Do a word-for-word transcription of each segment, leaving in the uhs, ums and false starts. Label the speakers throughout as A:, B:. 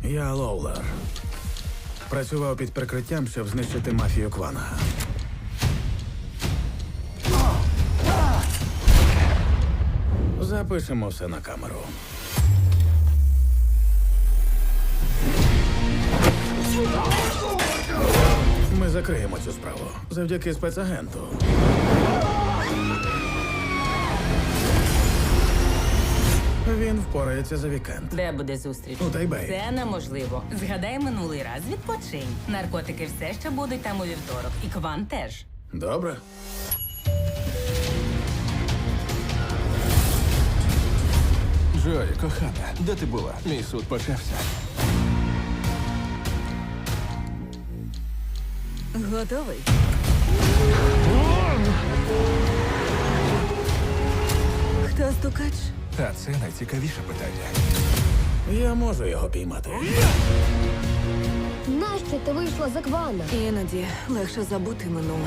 A: Я Лоулер. Працював під прикриттям, щоб знищити мафію Кванга. Запишемо все на камеру. Ми закриємо цю справу завдяки спецагенту. Він впорається за вікенд.
B: Де буде зустріч?
A: У Тайбеї.
B: Це неможливо. Згадай минулий раз, відпочинь. Наркотики все ще будуть там у вівторок. І Кван теж.
A: Добре.
C: Джої, кохана, де ти була? Мій суд почався.
B: Готовий? Хто стукач?
C: А це найцікавіше питання.
A: Я можу його піймати.
D: Нащо ти вийшла за Квана?
B: Іноді легше забути минуле.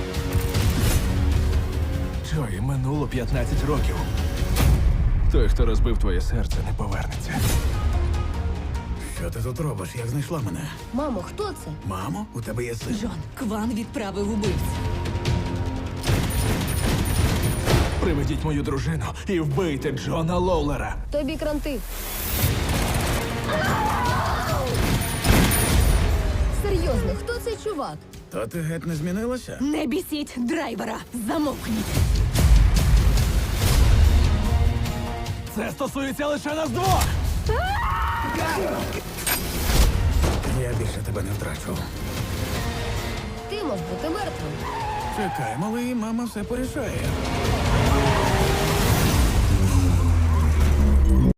C: Джої, минуло п'ятнадцять років. Той, хто розбив твоє серце, не повернеться.
A: Що ти тут робиш? Як знайшла мене?
D: Мамо, хто це?
A: Мамо, у тебе є син?
B: Джон, Кван відправив убивць.
C: Приведіть мою дружину і вбийте Джона Лоулера.
D: Тобі кранти. Серйозно, хто цей чувак?
A: То ти геть не змінилася?
B: Не бісіть драйвера! Замовкніть!
C: Це стосується лише нас двох!
A: Я більше тебе не втрачу.
D: Ти мав бути мертвим.
A: Чекай, малий, мама все порішає.